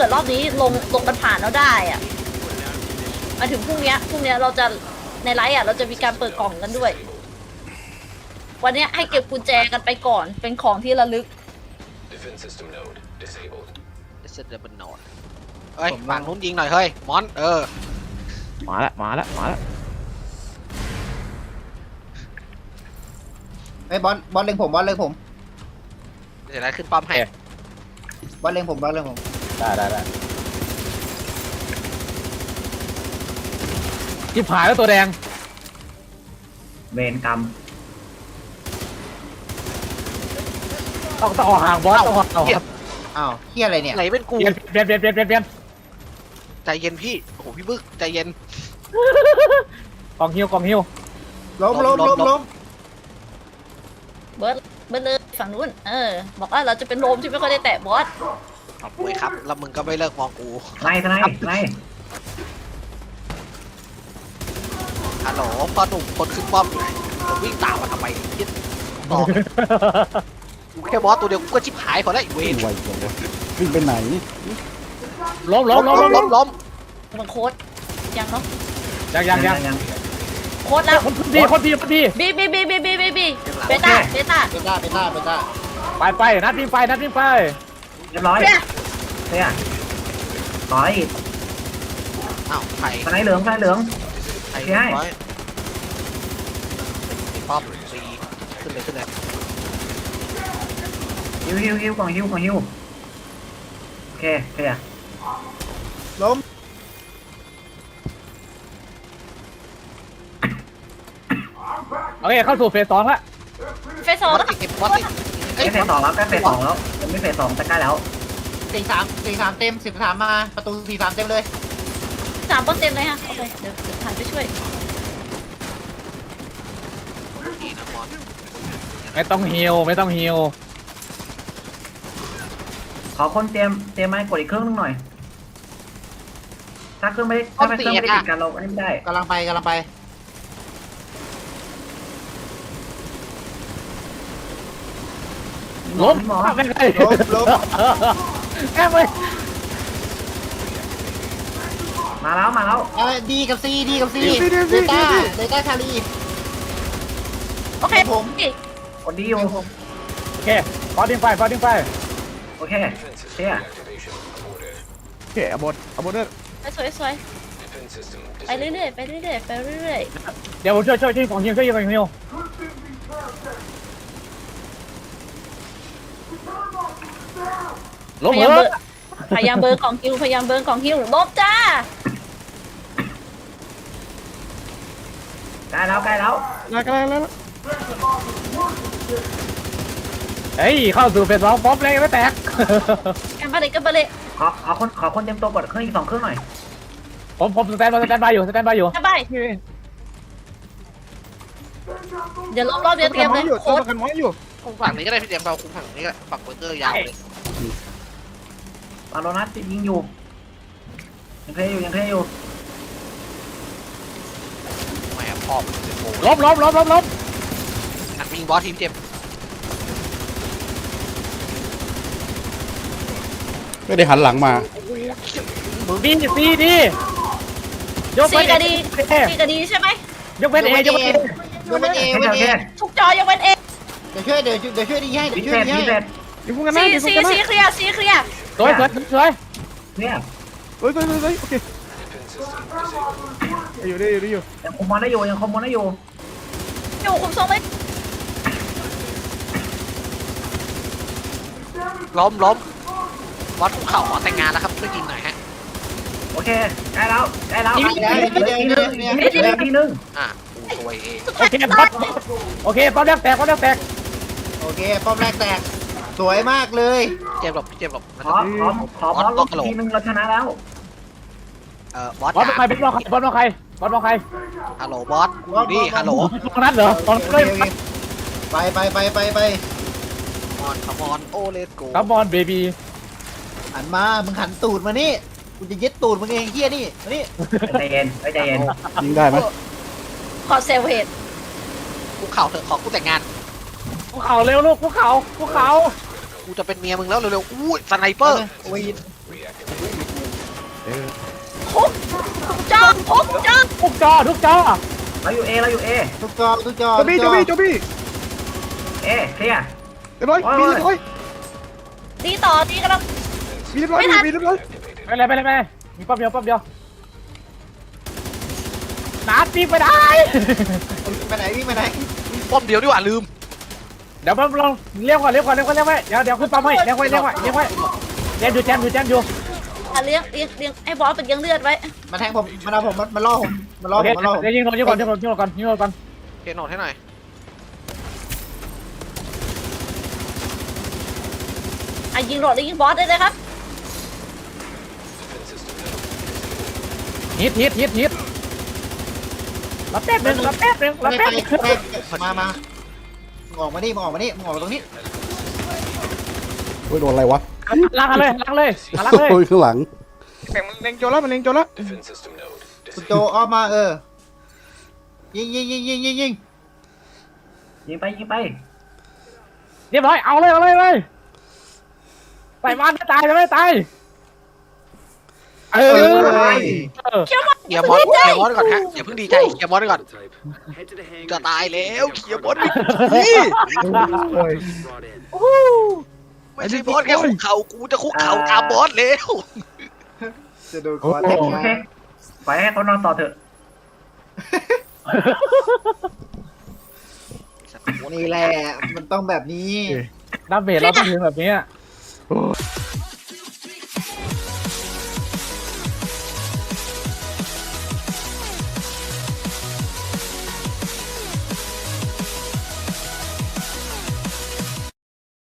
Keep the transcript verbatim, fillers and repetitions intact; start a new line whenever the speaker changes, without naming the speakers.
กิดรอบนี้ลงลงกันผ่านแล้วได้อะมาถึงพรุ่งนี้พรุ่งนี้เราจะในไลฟ์อ่ะเราจะมีการเปิดกล่องกันด้วยวันนี้ให้เก็บกุญแจกันไปก่อนเป็นของที่ระลึก
Defense system node disabled.
เซตเดบันโนดเฮ้ยฝั่งนู้นยิงหน่อยเฮ้ยมอนเออ
มาละมาละมาละ
ไอ้บอลบอลเล็งผมบอลเล็งผม
เดี๋ยวอะไรขึ้นป้อมให้
บอลเล็งผมบอลเล็งผม
ได้ได้ได้ที่ผายแล้วตัวแดง
เวรกรรม
ต้องต้องออกห่างบอสต้องออกห่าง
อ้าวเฮียอะไรเนี่ย
ไหนเป็นกู
เปลี่ยนเปลี่ยนเปลี่ยนเปลี่ยนเปลี่ยน
ใจเย็นพี่โอ้โหพี่บึกใจเย็น
กองฮิวกองฮิว
ล้มล้มล้มล้ม
เบิร์ดเบิร์ดเลยฝั่งนู้นเออบอกว่าเราจะเป็นโรมที่ไม่ค่อยได้แตะบอส
เอาป่วยครับแล้วมึงก็ไม่เลิกมองกู
ไล่ทนายไล่
ฮัลโหลพ่อหนุ่มคนขึ้นป้อมอยู่ไหนผมวิ่งตามมาทำไมยึดต่อกูแค่บอสตัวเดียวกูก็ชิบหายพอแล้วไอ้เวร
ไวจังวะวิ่งไปไหน
ล้มล้มล้มล้ม
ล้มล้ม
มันโค้ดยังเนาะ
ยังยังยัง
โค้ดแล้ว
คนดีคนดีคนดี
บีบีบีบีบีบีบีเบต้าเบต้า
เบต้าเบต้าเบต้า
ไปไปนัดทีมไปนัดทีมไป
เรียบร้อย
เปี้ย
เฮียต่อย
อ้าวไข่
ทนายเหลืองทนายเหลือง
ไข่
ใช่
ร้อยป้อมฟรีขึ้นเลยขึ้นเลย
ฮิวฮิวฮิวกล่องฮิวกล่องฮิวโอเคเคลียร์ล้ม
โอเคเข้าสู่เฟสสองละ
เฟสสอง
บอส
แล้ว
ติดเก็บบอสติด
ใกล้เฟสสองแล้วใกล้เฟสสองแล้วยังไม่เฟสสองแต่ใกล้แล้วสี่สามสี่สามเต็มสิบสามมาประตูสี่สามเต็มเลย
สามเปอร์เซ็นต์เลยฮะโอเคเดี๋ยวเดี๋ยวผ่านไปช่วย
นี่นะบอส
ไม่ต้องฮิวไม่ต้องฮิว
ขอคนเตรียมเตรียมไม้กดอีกเครื่องนึงหน่อยถ้าเครื่องไม่ถ้าเครื่องไม่ได้ติดกันเราอันนี้ไม่ได้กำลังไปกำลังไป
ล้ม
หมอ
ไม่ได้
ล้มล้ม
แอบไป
มาแล้วมาแล้วเออดีกับซีดีกับซีเดต้าเดต้าชาลี
โอเคผม
กดดีอยู่
โอเคฟอดดิ้งไฟฟอดดิ้งไฟ
โอเค
Defense system
เชี่ย
deactivation aborted.
โอเคเอาบดเอาบดเด้อ
ไปสวยสวย
Defense system
ไปเรื่อยๆไปเรื่อยๆไปเรื่อย
เดี๋ยวผมช่วยช่วยทีมของฮิวช่วยยิงของฮิวล้
ๆ
ม
พ
เห
ยายาม
ร
เบ
อ
อร์พยายามเบอร์ของคิวพยายามเบอร์ของคิวลบจ้า
ใกล้แล้วใกล้แล้ว
มากันแล้ว
เฮ้ยเข้าสู่เฟสสองป๊อปเลยไม่แตก
กันไปเลยกันไปเลย
ขอขอคนขอคนเตรียมตัวกดเครื่องอีกสองเครื่องหน่อย
ผมผมสแตนบายสแตนบายอยู่สแตนบายอยู่
กันไปเดี๋ยวรอบรอบเดียวเตรียมเลย
อยู่
โค้ด
กันม้อยอยู่
คุมฝั่งนี้ก็ได้พี่เดียมเราคุมฝั่งนี้ก็ได้ฝั่งเบอร์เกอร์ยาวเลย
บาโลนัสยิงอยู่ยังเพลย์อยู่ยังเพลย์อยู่
แหมพอมโอ้โห
ล้มล้มล้มล้มล้ม
หนักยิงบอสทีมเจ็บ
ไม่ได้หันหลังมา
ดีดีดียก
ซี
เว้น
กระดี
เอ
ซีกระดีใช่ไหม
ยกเว้นเอยกเว้นเอ
ยูเป็นเอเป็นเอ
ทุกจอยกเว้นเอ
เดี๋ยวช่วยเดี๋ยวเดี๋ยวช่วยดีให้เดี๋ยวช่วยดีให้
อยู่พวกกันนะ
ซี
อยู่พว
ซี
กกันนะ
ซีเคลียร์ซีเคลียร์
สวยสวยสวย
เนี่ย
เฮ้ยเฮ้ยเฮ้ยเฮ้ยโอเค
Defense system disabled.
อยู่ดิอยู่ดิอยู่
ยังคอมมอนได้อยู่ยังคอมมอนได้อยู่
อยู่คุมทรงเลย
ล้มล้มบอสคุกเข่าขอแต่งงานแล้วครับช่วยยิงหน่อยฮะ
โอเคใกล้แล้วใกล้แล้วอีกทีนึงอีกทีนึง
อ่ะกูตัวเอง
โอเคป๊อปโอเคป๊อปแรกแตกป๊อปแรกแตก
โอเคป้อมแรกแตกสวยมากเลย
เจ็บหลบพี่เจ็บหลบ
ขอขอขอพอลงทีนึงเราชนะแล้ว
เอ่อบอส
บอส
จ๋า
ใครบอสใครบอสใครบอสใคร
ฮัลโหลบอสกูนี่ฮัลโหล
ตรงนั้นเหรอตอนเลย
ไปไปไปไปไป
มอนคอมอนโอเลสโก
คัมบอลเบบี้
หันมามึงหันตูดมานี่กูจะยึดตูดมึงเองเฮียนี่มานี่ใจเย็นใจเย็น
ยิงได้ไหม
ขอเซลเฮด
คุกเข่าเถอะขอกูแต่งงาน
ภูเขาเร็วลูกภูเขาภูเขา
กูจะเป็นเมียมึงแล้วเร็วๆอู้ยสไนเปอร์
วีด
คุกทุกจอคุกจอ
ทุกจอทุกจอ
เราอยู่เอเราอยู่เอ
ทุกจอทุกจอ
โจบี้โจบี้โจบี้
เอเคลียร์
เรียบร้อยมีเรียบร้อย
ดีต่อดีกำลัง
มีเรียบร้อย
ไม่ทัน
มีเรียบร้อย
ไปเลยไปเลยไปเลยมีปั๊บเดียวปั๊บเดียวนัดปีกไปได้
ไปไหนวิ่งไปไหน
ป้อมเดียวดีกว่าลืม
เดี๋ยวปั๊บลองเลี้ยวก่อนเลี้ยวก่อนเลี้ยวก่อนเลี้ยวไว้เดี๋ยวเดี๋ยวขึ้นปั๊มให้เลี้ยวไว้เลี้ยวไว้เลี้ยวไว้แจมอยู่แจมอยู่แจมอยู่
อ่ะเลี้ยงเลี้ยงเลี้ยงให้บอสเป็นเลี้ยงเลือดไว้
มาแทงผมมาเอาผมมาล่อผมมาล่อ
โอ
ผ
เค
มมาล่อผม
เดี๋ยวยิงก่อนยิงก่อนยิงก่อนยิงก่อนยิงก่อน
เกณฑ์โหนดให้หน่อย
อ่ะยิงโหลดแล้วยิงบอสได้เลยครับ
ฮิตฮิตฮิตฮิตรับแป๊บนึงรับแป๊บนึงรับ
ไป
แป๊บ
ไป
นึง
ไปมามามึงออกมานี่มึงออกมานี่มึงออกมาตรงนี้
โอ้ยโดนอะไรวะ
ล้างกันเลยล้างเลยล้างเลย
โอ้ยข้างหลังมันเล็งโจแล้วมันเล็งโจแล้ว
Defense system node
คุณโจ
disabled.
ออกมาเออยิงยิงยิงยิงยิงยิง
ยิงไปยิงไป
เรียบร้อยเอาเลยเอาเลยเลยใส่มันไม่ตายจะไม่ตายเอ
เอ
อ
อ
เออ
เคลียร์มอสเคลียร์มอสก่อนฮะอย่าเพิ่งดีใจเคลียร์มอสก่อน
Head to the hangar.
จะตายแล้วเคลียร์มอสนี่
Brought in.
ไม่ใช่มอสแค่คุกเข่ากูจะคุกเข่าตามมอสแล้ว
จะโดนคอแทง
โอเคปล่อยให้เขานอนต่อเถอะ
นี่แหละมันต้องแบบนี้
ดาเมจเราต้องถึงแบบนี้